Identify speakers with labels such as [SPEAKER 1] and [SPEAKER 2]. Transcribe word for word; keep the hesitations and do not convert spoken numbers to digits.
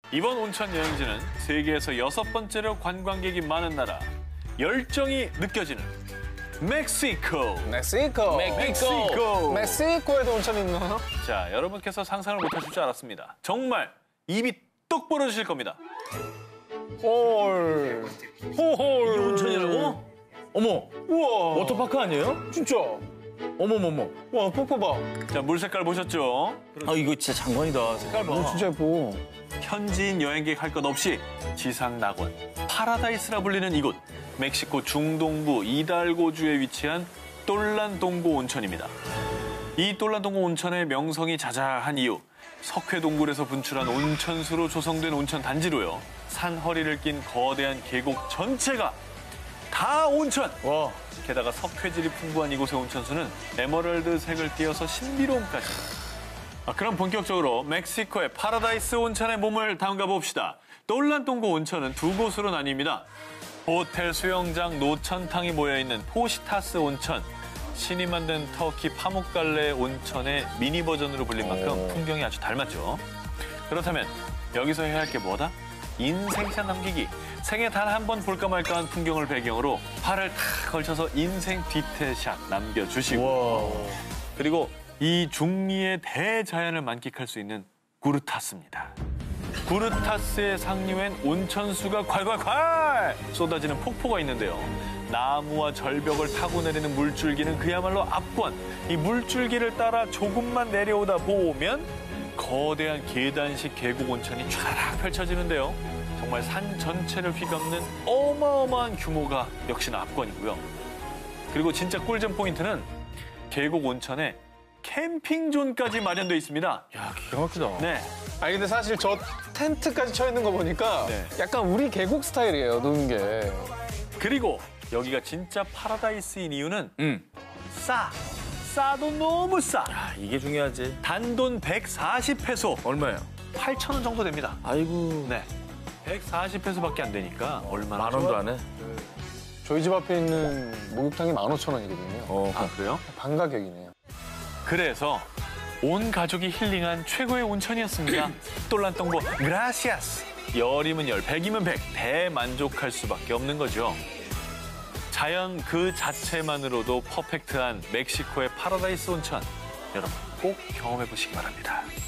[SPEAKER 1] 이번 온천 여행지는 세계에서 여섯 번째로 관광객이 많은 나라, 열정이 느껴지는 멕시코.
[SPEAKER 2] 멕시코.
[SPEAKER 1] 멕시코.
[SPEAKER 2] 멕시코에도 온천이 있나요?
[SPEAKER 1] 자, 여러분께서 상상을 못하실 줄 알았습니다. 정말 입이 똑 부러지실 겁니다.
[SPEAKER 2] 헐. 호헐.
[SPEAKER 3] 이게 온천이라고? 어머,
[SPEAKER 2] 우와.
[SPEAKER 3] 워터파크 아니에요?
[SPEAKER 2] 진짜.
[SPEAKER 3] 어머머머.
[SPEAKER 2] 와, 뽀뽀 봐.
[SPEAKER 1] 자, 물 색깔 보셨죠?
[SPEAKER 3] 아, 이거 진짜 장관이다. 색깔 봐.
[SPEAKER 2] 오, 진짜 예뻐.
[SPEAKER 1] 현지인 여행객 할 것 없이 지상 낙원, 파라다이스라 불리는 이곳, 멕시코 중동부 이달고주에 위치한 똘란동고 온천입니다. 이 똘란동고 온천의 명성이 자자한 이유, 석회동굴에서 분출한 온천수로 조성된 온천 단지로요. 산 허리를 낀 거대한 계곡 전체가 다 온천!
[SPEAKER 2] 와.
[SPEAKER 1] 게다가 석회질이 풍부한 이곳의 온천수는 에메랄드색을 띄어서 신비로움까지. 아, 그럼 본격적으로 멕시코의 파라다이스 온천에 몸을 담가 봅시다. 똘란동고 온천은 두 곳으로 나뉩니다. 호텔, 수영장, 노천탕이 모여있는 포시타스 온천. 신이 만든 터키 파묵갈레 온천의 미니 버전으로 불린 만큼
[SPEAKER 2] 오.
[SPEAKER 1] 풍경이 아주 닮았죠. 그렇다면 여기서 해야 할 게 뭐다? 인생샷 남기기. 생애 단 한 번 볼까 말까한 풍경을 배경으로 팔을 탁 걸쳐서 인생 디테일샷 남겨주시고
[SPEAKER 2] 와.
[SPEAKER 1] 그리고 이 중미의 대자연을 만끽할 수 있는 구르타스입니다. 구르타스의 상류엔 온천수가 콸콸콸 쏟아지는 폭포가 있는데요. 나무와 절벽을 타고 내리는 물줄기는 그야말로 압권. 이 물줄기를 따라 조금만 내려오다 보면 거대한 계단식 계곡 온천이 촤락 펼쳐지는데요. 정말 산 전체를 휘감는 어마어마한 규모가 역시나 압권이고요. 그리고 진짜 꿀잼 포인트는 계곡 온천에 캠핑존까지 마련되어 있습니다.
[SPEAKER 3] 야, 기가 막히다.
[SPEAKER 1] 네.
[SPEAKER 2] 아니, 근데 사실 저 텐트까지 쳐 있는 거 보니까
[SPEAKER 1] 네.
[SPEAKER 2] 약간 우리 계곡 스타일이에요, 노는 게.
[SPEAKER 1] 그리고 여기가 진짜 파라다이스인 이유는
[SPEAKER 3] 응.
[SPEAKER 1] 싸. 싸도 너무 싸.
[SPEAKER 3] 아, 이게 중요하지.
[SPEAKER 1] 단돈 백사십 페소.
[SPEAKER 3] 얼마예요?
[SPEAKER 1] 팔천 원 정도 됩니다.
[SPEAKER 3] 아이고.
[SPEAKER 1] 네. 백사십 페소밖에 안 되니까 얼마나
[SPEAKER 3] 만 원도
[SPEAKER 1] 좋아?
[SPEAKER 3] 안 해?
[SPEAKER 2] 저희 집 앞에 있는 목욕탕이 만 오천 원이거든요.
[SPEAKER 3] 어.
[SPEAKER 1] 아, 그래요?
[SPEAKER 2] 반 가격이네요.
[SPEAKER 1] 그래서 온 가족이 힐링한 최고의 온천이었습니다. 똘란동고 그라시아스. 열이면 열, 백이면 백. 대만족할 수밖에 없는 거죠. 자연 그 자체만으로도 퍼펙트한 멕시코의 파라다이스 온천. 여러분 꼭 경험해 보시기 바랍니다.